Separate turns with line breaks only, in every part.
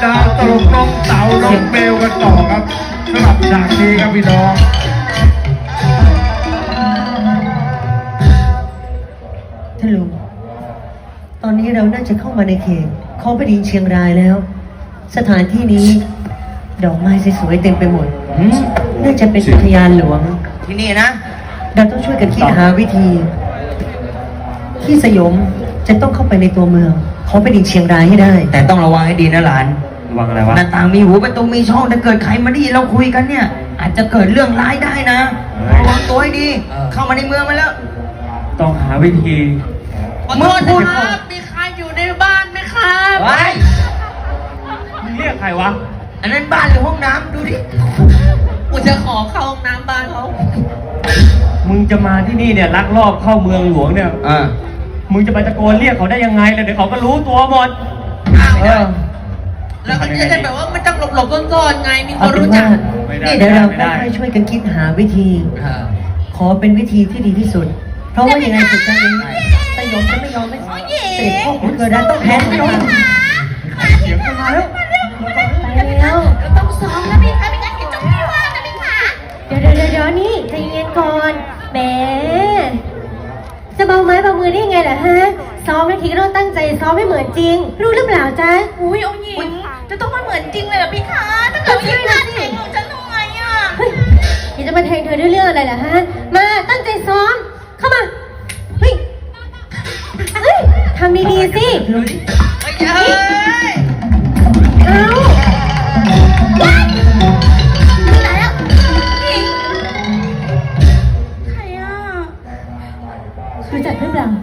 ดาตลกน้องเต๋าน้องเบลกันต่อครับสำหรับฉากนี้ครับพี่น้อง
ท่านลุงตอนนี้เราน่าจะเข้ามาในเขตของแผ่นดินเชียงรายแล้ว สถานที่นี้ดอกไม้สวยๆเต็มไปหมดน่าจะเป็นอุทยานหลวงที่นี่นะเราต้องช่วยกันคิดหาวิธีที่สยมจะต้องเข้าไปในตัวเมืองของแผ่นดินเชียงรายให้ได้
แต่ต้องระวังให้ดีนะหลาน
ระวังอะไรวะ
หน้าต่างมีหูประตูมีช่องถ้าเกิดใครมาดีเราคุยกันเนี่ยอาจจะเกิดเรื่องร้ายได้นะระวังตัวให้ดีเข้ามาในเมืองมาแล้ว
ต้องหาวิธี
เมื่อพูด
มีใครอยู่ในบ้านไหมครับ
ไว้
มึงเรียกใครวะ
อันนั้นบ้านหรือห้องน้ำดูดิ
กูจะขอเข้าห้องน้ำบ้านเขา
มึงจะมาที่นี่เนี่ยลักลอบเข้าเมืองหลวงเนี่ย มึงจะไปตะโกนเรียกเขาได้ยังไงล่ะเดี๋ยวเขาก็รู้ตัวหมด
แล้วก็จะได้แบบว่าไม่ต้องหลบๆซ่อนๆไง มีคนรู้จัก
นี่เดี๋ยวเราค่อยๆช่วยกันคิดหาวิธีขอเป็นวิธีที่ดีที่สุด เพราะว่ายังไงสุดท้ายนี้สยมจะไม่ยอมไม่เสด็จพ่อของเธอได้ต้องแพ้ทุกอย่าง
เสียงมาแล้ว
ไปแล้ว
ต้องซ้อมนะพี่คะไม่งั้นเดี๋ยวจบไม่ว่านะพี่คะ
เดี๋ยวนี่ใจเย็นก่อนแหมจะเบาไม้เบามือได้ยังไงล่ะฮะซ้อมนาทีก็ต้องตั้งใจซ้อมให้เหมือนจริง รู้หรือเปล่าจ๊ะ
อุ้ยองค์หญิงจะต้องมาเหมือนจริงเลยเหรอพี่คะถ้าเกิดไม่ได้แทงของฉันทำไงอ่ะ
เฮ้ยอยากจะมาแทงเธอด้วยเรื่องอะไรล่ะฮะมาตั้งใจซ้อมเข้ามาเฮ้ยทำดีๆสิเอา
ตายแล้วหญิงใครอ่ะ
รู้จักหรือเปล่า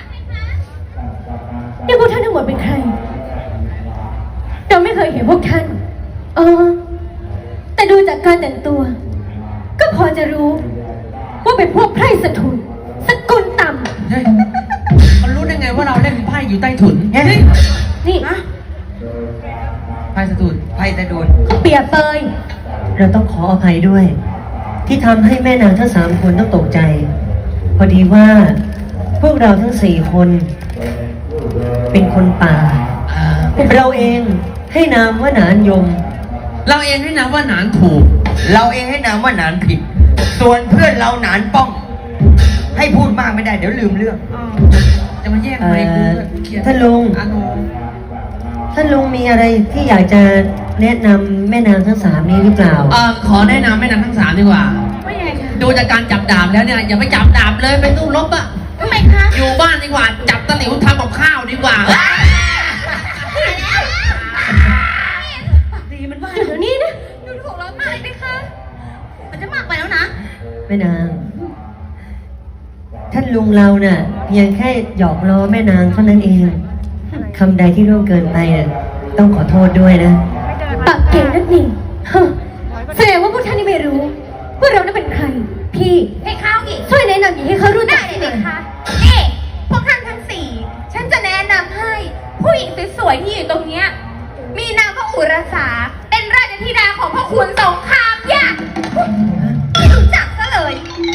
นี่พวกท่านทั้งหมดเป็นใครเราไม่เคยเห็นพวกท่านแต่ดูจากการแต่งตัว ก็พอจะรู้ว่าเป็นพวกไพร่สถุนสกุลต่ำ
มันรู้ได้ไงว่าเราเล่นไพ่อยู่ใต้ถุน
นี่
ไพ่สะดุดไพ่ตะโดน
เปรียบเปย
เราต้องขออภัยด้วย ที่ทำให้แม่นางทั้ง3 คนต้องตกใจ พอดีว่าพวกเราทั้ง4 คนเป็นคนป่าเราเองให้นามว่าหนานยม
เราเองให้นะว่าหนานถูก
เราเองให้นามว่าหนานผิด ส่วนเพื่อนเราหนานป้อง ให้พูดมากไม่ได้เดี๋ยวลืมเรื่อง
จะมาแยกไปกูเครียด
ท่านลุง
อาโน
ท่านลุงมีอะไรที่อยากจะแนะนำแม่นางทั้ง3นี้หรือเปล่า
ขอแนะนำแม่นางทั้งสามดีกว่า
ว่ายังไงคะ
ดูจากการจับดาบแล้วเนี่ยอย่าไปจับดาบเลยไปสู้รบอะ
ทำไมคะ
อยู่บ้านดีกว่า จับตะหลิวทำกับข้าวดีกว่า
ดีมันว่า
เดี๋ยวนี้นะ
ดูถูกเรามากเลยพี่คะมันจะมากไปแล้วนะ
แม่นาง ท่านลุงเราน่ะเพียงแค่หยอกล้อแม่นางเท่านั้นเองคำใดที่ล่วงเกินไปน่ะต้องขอโทษด้วยนะ
ปากเก่งนักนี่ฮะแสดงว่าพวกท่านนี่ไม่รู้ว่าเรานั้นเป็นใคร พี่
ให้ข้าวอีก
ช่วยแนะนำหญิงให้เขารู้จั
ได้
ก
เลยนะคะนี่พวกท่านทั้งสี่ฉันจะแนะนำให้ผู้หญิงสวยๆที่อยู่ตรงเนี้ยมีนามว่าอุรสาเป็นราชธิดาของพ่อขุนสงครามยะไม่รู้จักซะเลย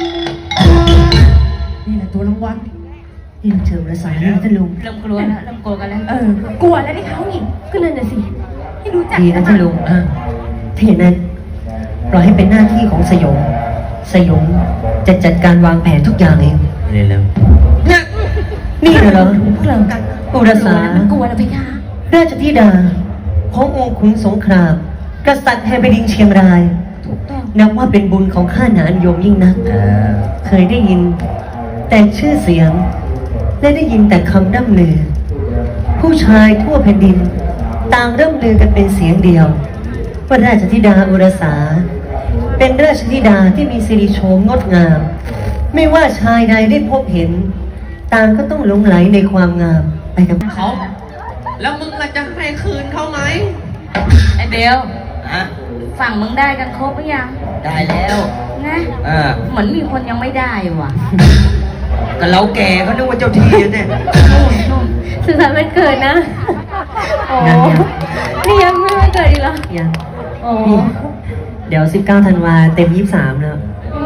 นี่แหละตัวรางวัล
ยิ่งเชิงระสายนี่ท่านลุง
เริ่มกลัวแล้วเริ่มกลัวกันแล้ว
กลัวแล้วที่เขาหญิง
ก็นั่นน่ะสิ
ให้รู้จัก
ดีนะท่านลุงถ้าอย่างนั้นปล่อยให้เป็นหน้าที่ของสยม สยมจะจัดการวางแผนทุกอย่างเอง
เร็ว
เนี่ย
นี่นะเหรอ
พวกเรา
อุรสา
กลัวแล้วพี่คะ
ราชธิดาขององค์ขุนสงคราม กษัตริย์แห่งแผ่นดินเชียงราย
ถูกต้อง
นับว่าเป็นบุญของข้าหนานยมยิ่งนัก เคยได้ยินแต่ชื่อเสียง และได้ยินแต่คำร่ำลือ ผู้ชายทั่วแผ่นดิน ต่างร่ำลือกันเป็นเสียงเดียว ว่าราชธิดาอุรสา เป็นราชธิดาที่มีสิริโฉมงดงาม ไม่ว่าชายใดได้พบเห็น ต่างก็ต้องหลงไหลในความงามไปกับ
เขา แล้วมึงล่ะจะให้คืนเขาไหม
ไอ้เบล
ฝั่งมึงได้กันครบหรือยัง
ได้แล้ว
นะ เหมือนมีคนยังไม่ได้ว่ะ
ก็เราแก่เขานึกว่าเจ้าที่เนี่ย
สุดท้ายมันเกิดนะ โอ้
ยัง
นี่ยังไม่มาเกิดอีกเหรอ
ยัง
โอ้
เดี๋ยว 19 ธันวาเต็ม 23 แล้ว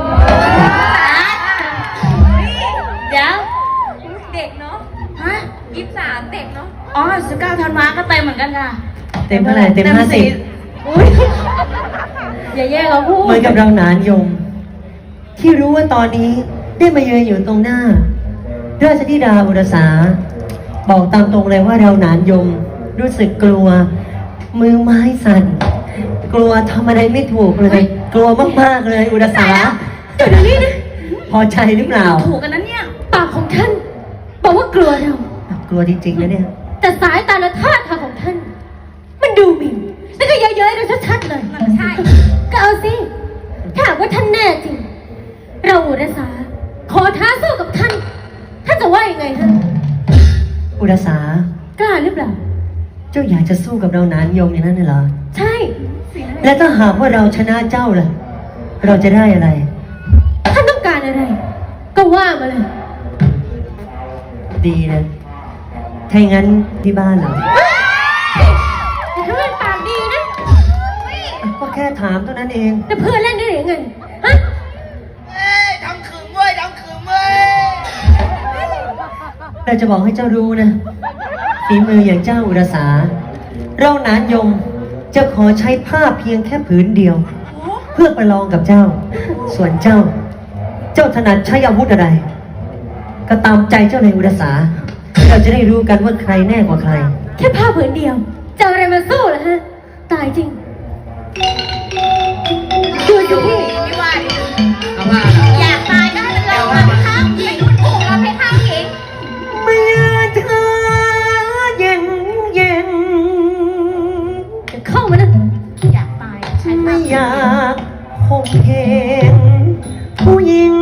เดี๋ยวเด็กเนาะ ฮะ23เด็กเนาะ อ๋อ19ธันวาก็เต็มเหมือนกันค่ะ
เต็มเท่าไหร่เต็ม 50
อุ๊ยอย่าแย่งเราพูด
เหมือนกับเราหนานยม ที่รู้ว่าตอนนี้ได้มายืนอยู่ตรงหน้า ราชธิดาอุรสา บอกตามตรงเลยว่าเราหนานยม รู้สึกกลัว มือไม้สั่น กลัวทำอะไรไม่ถูกเลย กลัวมากๆเลยอุรสา
เดี๋ยวนี้นะ
พอใจหรือเปล่า
ถูกกันนั้นเนี่ย
ปากของท่าน บอกว่ากลัวเรา
กลัวจริงๆนะเนี่ย
แต่สายตาและท่าทางของท่าน มันดูหมิ่นแล้วก็เย้ยๆเราชัดๆเลย
ใช่
ก็เอาสิ ถ้าหากว่าท่านแน่จริง เราอุรสา ขอท้าสู้กับท่าน ท่านจะว่ายังไงฮะ
อุรสา
กล้าหรือเปล่า
เจ้าอยากจะสู้กับเราหนานยมอย่างนั้นน่ะเหรอ
ใช่
และถ้าหากว่าเราชนะเจ้าล่ะ เราจะได้อะไร
ท่านต้องการอะไร ก็ว่ามาเลย
ดีนะ ถ้าอย่างนั้นที่บ้านเหรอ
แต่ถ้าเป็นปากดีนะ
ก็แค่ถามเท่านั้นเอง
แต่เพื่อนเล่นได้หรือไงฮะ
ทำขึงเว้ยทำขึงเว้ย
เราจะบอกให้เจ้ารู้นะฝีมืออย่างเจ้าอุรสา เราหนานยมจะขอใช้ผ้าเพียงแค่ผืนเดียว เพื่อประลองกับเจ้า ส่วนเจ้า เจ้าถนัดใช้อาวุธอะไร ก็ตามใจเจ้าเลยอุรสา เราจะได้รู้กันว่าใครแน่กว่าใคร
แค่ผ้าผืนเดียว จะเอาอะไรมาสู้ล่ะฮะ ตายจริง ดูสิพี่
ไม่ว่าดิ
เอาว่า
อยากตายก็ให้มันลงมาไปข้างหญิงคุณถูกเราไปข้างหญิง
เมื่อเธอเย็นเย็น
เข้ามานะ
อยากตายใช้
ไม่อยากคงเห็นผู้หญิง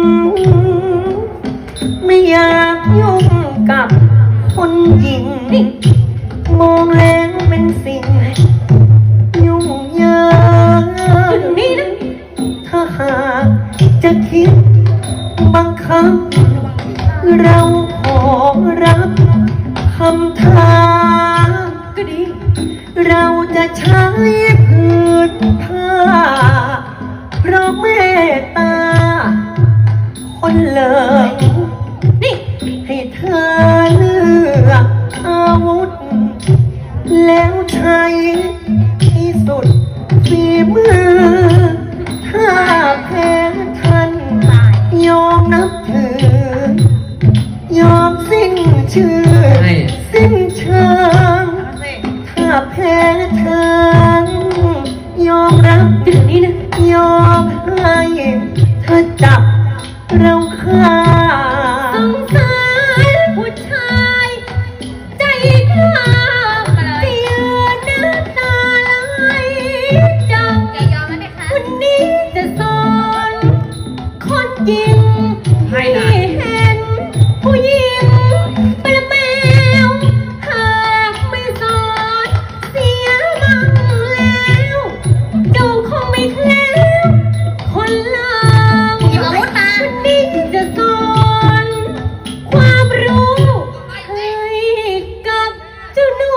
ไม่อยากยุ่งกับคนหญิง มองแล้วเป็นสิ่ง ยุ่งยาก
อยู่นี่นะ
ถ้าหากจะคิดบังคับ เราขอรับคำท้า
ก็ดี
เราจะใช้ผืนผ้าเพราะเมตตา คนเลิก
นี่
ให้เธอเลือกอาวุธ แล้วใช้ที่สุดฝีมือ ถ้าแพ้ท่านยอมนับถือ ยอมสิ้นชื่อ สิ้นเชิง ถ้าแพ้ทางยอมรับ
เดี๋ยวนี้นะ
ยอมให้เธอจับเราฆ่า
สงสารผู้ชายใจกล้าที่ยืนหน้าตาลายจัง
อย่ายอมนะเพคะ
วันนี้จะสอนคนยิง
ให้นะ
เห็นผู้หญิงเป็นแมว หากไม่สอนเสียมั่งแล้วดูคงไม่แคล้วคนลาง
หยิบอาวุธมา
วันนี้จะสอนความรู้ให้กับเจ้าหนู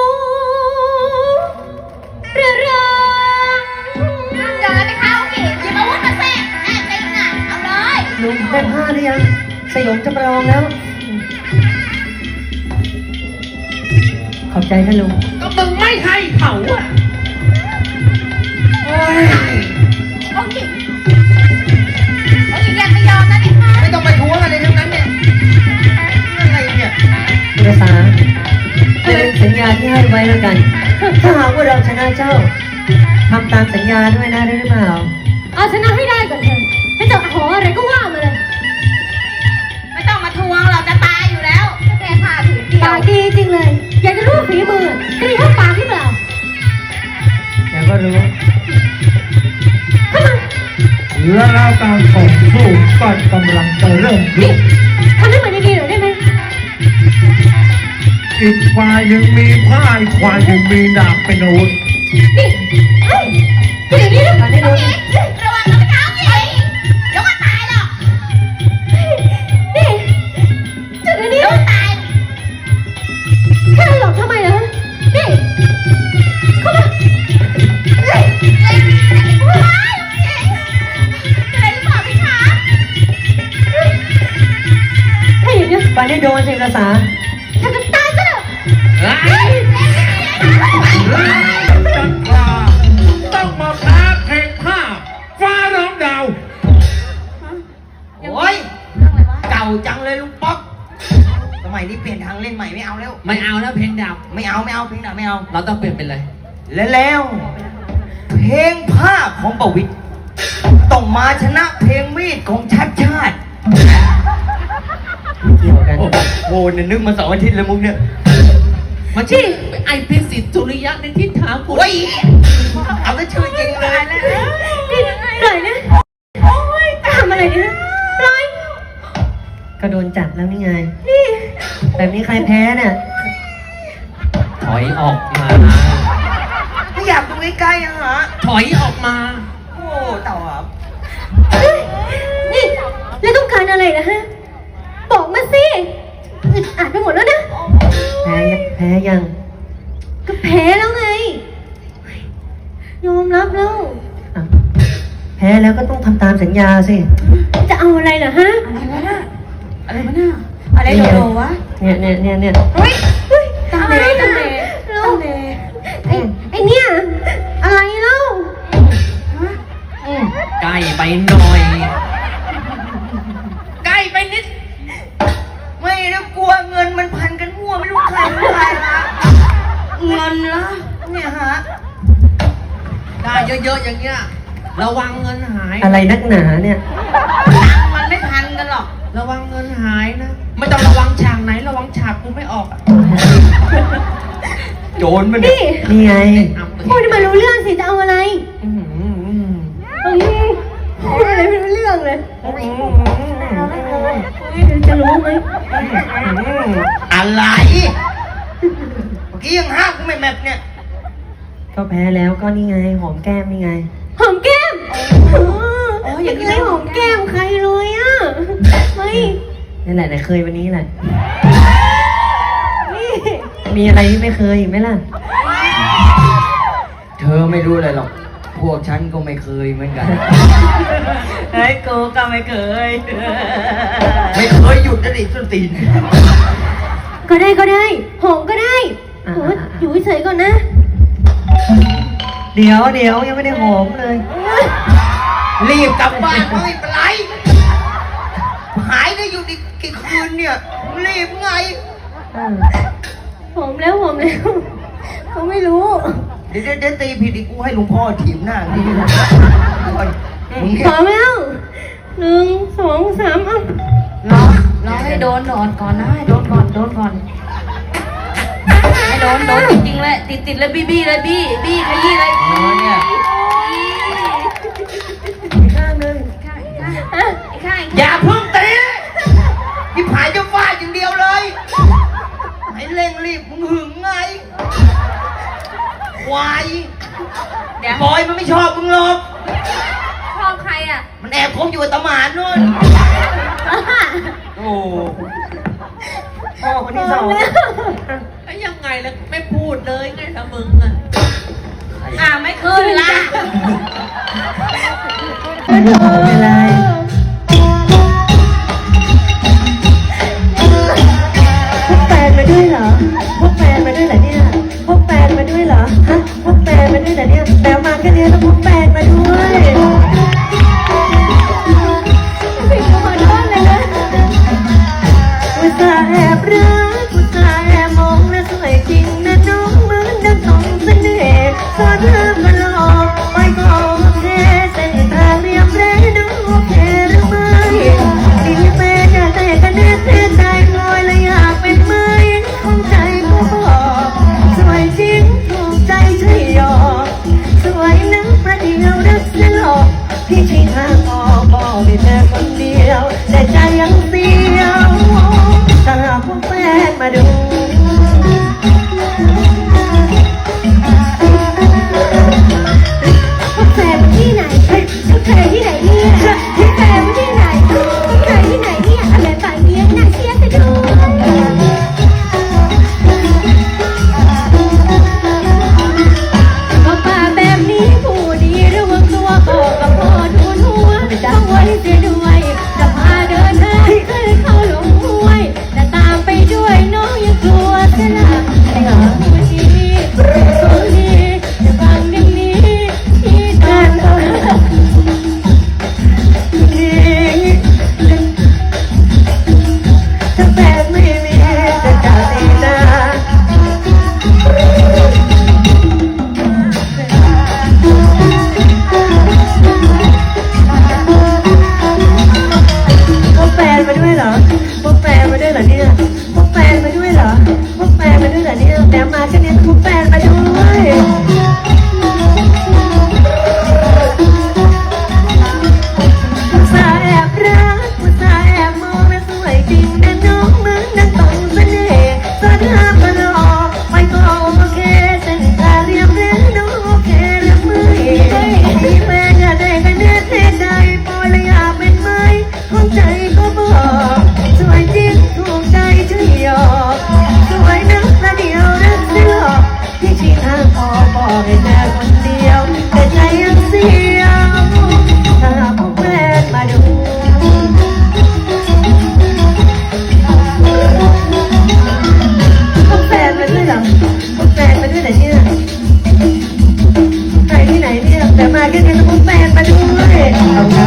ระรัง
เดินไปข้างหญิงหยิบอาวุธมาแทรกแอบจริงน่ะเอาเลย
ลุงได้ผ้าหรือยังสยมจะประลองแล้ว ขอบใจท่านลุง
ก็มึงไม่ให้เขาอะ
องค์หญิงยังไม่ยอมนะเพคะ
ไม่ต้องไปทวงอะไรทั้งนั้นเนี่ยอะไรเนี่ย
อุรสาเป็นสัญญาที่ให้ไว้แล้วกัน ถ้าหากว่าเราชนะเจ้าทำตามสัญญาด้วยนะได้หรือเปล่า
เอาชนะให้ได้ก่อนเถอะให้จะขออะไรก็ว่ามาเลย
ไม่ต้องมาทวงเราจะตายอยู่แล้วแค่ผ้าผืนเดีย
ปาว กดีจริงเลย อยากจะรู้ฝีมือจะมีเท่าปากหรือเปล่า
เดี๋ยวก็รู้
เข้ามา
และแล้วการต่อสู้ก็กำลังจะเริ่มขึ้น
ทำให้มันดีๆหน่อยได้ไหม
อีกฝ่ายหนึ่งมีผ้าอีกฝ่ายหนึ่งมีดาบเป็นอาวุธ
นี่เฮ้ยอย่างนี้นะ
การให้ดู
ระวังนะเพคะองค์หญิงเดี๋ยวก็ตายหรอก
นี่จุดนี้
เดี๋ยวตาย
แค่หลอกทำไมเหรอนี่เข้ามา
เฮ้ยเฮ้ยว้ายเป็นไรหรือเปล่าพี่คะ
ถ้าอย่างนี้
ไปให้โดนสิอุรสา
ถ้าจะตายซะเถอะ
เฮ้ย
เพลงหนาไม่เอา
เราต้องเปลี่ยนเป็นอะไร
แล้วเพลงภาคของประวิตรต้องมาชนะเพลงมีดของชัดชาติ
เกี่ยวกัน
โอ้โหเนี่ยนึกมา2 อาทิตย์แล้วมุกเนี่ย
มาชื่อไอพิสิทธิ์สุริยะในทิศทางกู
โอ้ยเอาแต่ชื่อจริงเลย
ปล่อยนะโอ๊ยทำอะไรเนี่ยปล่อย
ก็โดนจับแล้วนี่ไง
นี่
แบบนี้ใครแพ้เนี่ย
ถอยออกมา
ไม่อยากดูใกล้ๆอะฮะ
ถอยออกมา
โอ้เต่าครับ
นี่แล้วต้องการอะไรนะฮะ บอกมาสิอึดอัดไปหมดแล้วนะ
แพ้ยัง
ก็แพ้แล้วไง ยอมรับแล้ว
อ่ะแพ้แล้วก็ต้องทำตามสัญญาสิ
จะเอาอะไรเหรอฮะ
อะไรวะน่ะอะไรโดโดวะ
เนี่ย
เฮ้ย
ตามเลยตามเลยลูกไอ้เนี่ยอะไรเล่า
ใกล้ไปหน่อย ใกล้ไปนิด
ไม่นะกลัวเงินมันพันกันมั่วไม่รู้ใครเป็นใครฮะเงินละเนี่ยฮะ
ได้เยอะๆอย่างเงี้ย ระวังเงินหาย
อะไรนักหนาเนี่ย
มันไม่ทันกันหรอก
ระวังเงินหายนะ ไม่ต้องระวังฉากไหน ระวังฉากกูไม่ออกอะ
โจรมันเนี่ย
นี่
นี่ไง
พูดให้มันรู้เรื่องสิจะเอาอะไรพูดอะไรไม่รู้เรื่องเลยจะรู้ไหม
อะไรเมื่อกี้ยังห้ามกูไม่แมปเนี่ย
ก็แพ้แล้วก็นี่ไงหอมแก้มนี่ไง
หอมแก้มอย่างนี้ไม่หอมแก้มใครเลยอ่ะไม่
นั่นแหละแต่เคยวันนี้แหละ
นี่
มีอะไรที่ไม่เคยอีกไหมล่ะ
เธอไม่รู้อะไรหรอก พวกฉันก็ไม่เคยเหมือนกัน
เฮ้ยกูก็ไม่เคย
ไม่เคยหยุดนะดิส้นตีน
ก็ได้หอมก็ได้โอ้ยอยู่เฉยๆก่อนนะ
เดี๋ยวยังไม่ได้หอมเลย
รีบกลับบ้านไม่เป็นไร หายได้อยู่อีกกี่คืนเนี่ย รีบไง
หอมแล้วเขาไม่รู้
เดี๋ยวตีผิดอีกกูให้หลวงพ่อถีบหน้านี่มึง
พร้อมแล้ว1 2 3อ่ะ
รอให้โดนก่อนนะให้โดนก่อนให้โดนจริงๆเลยติดเลยบี้เลยบี้ขยี้เลย
เนี่ย
ข้ามเลย
ข้าง
อย่าเพิ่งตีนี่ผายจะฟาดอย่างเดียวเลยให้เร่งรีบมึงหึงไงควาย
เดี๋ยว
บอยมันไม่ชอบมึงหรอก
ชอบใครอ่ะ
มันแอบคบอยู่กับตาหมานนู่น โอ้
พ่อคนที่สอง
แล้วยังไงแล้วไม่พูดเลยไงถ้ามึงอะ
ไม่ขึ้นละ
ไม่เป็นไรพกแฟนมาด้วยเหรอพกแฟนมาด้วยเหรอเนี่ยพกแฟนมาด้วยเหรอฮะพกแฟนมาด้วยเหรอเนี่ยแปลมาแค่นี้ต้องพกแฟนมาด้วย
ผิดขอโทษเลยนะ
อุตส่าห์แอบรักอุตส่าห์แอบมองและสวยจริงนะน้องเหมือนดังสองเสน่ห์สอนเธอมาหลอกไปก็โอเคเส้นทางเรียบเร่น้องโอเคหรือไม่ดีเป็นอยากแต่กันแน่ใจลอยและอยากเป็นไหมคงใจก็บอกสวยจริงถูกใจใช่หยอกสวยนักประเดียวรักจะหลอกพี่ชี้ทางออกบอกให้เธอคนเดียวแต่ใจยังเสียวตลอดพวกแฟนมาดู
พวกแฟนมันที่ไหนพวกแฟนที่ไหนเนี่ยพวกแฟนมันที่ไหนพวกแฟนที่ไหนเนี่ยอะไรฝ่ายเนี้ยน่าเชียร์ซะด้วยก็ป่าแบบนี้ผู้ดีระวังตัวก็กับพ่อทูนหัวต้องไว้เสียดู
แค่นี้ต้องพกแฟนมาด้วยเอาครับ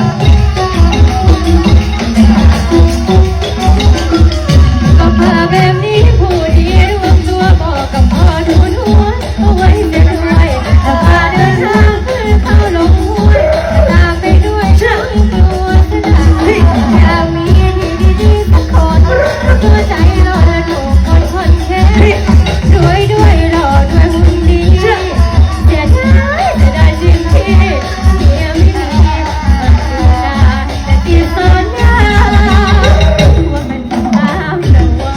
ก็พาแบบนี้ผู้ดีรวมตัวบอกกับพ่อทูนหัวเอาไว้เสียด้วยถ้าพาเดินทางขึ้นเข้าลงห้วยตามไปด้วยทั้งตัวสนามอยากมีที่ดีๆสักคนตัวใจรอและถูกคนแค่รวยด้วยหล่อด้วยหุ่นดีเสียได้สิ่งที่เมียไม่มีแต่ที่สัญญาว่ามันตามแต่ว่า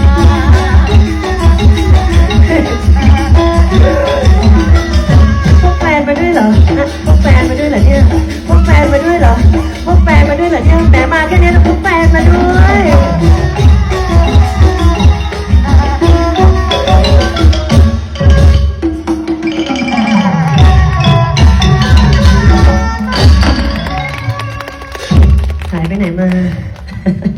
พกแฟนมาด้วยเหรอพกแฟนมาด้วยเหรอเนี่ยพกแฟนมาด้วยเหรอพกแฟนมาด้วยเหรอเนี่ยแหมมาแค่นี้ต้องพกแฟนมาด้วยหายไปไหนมา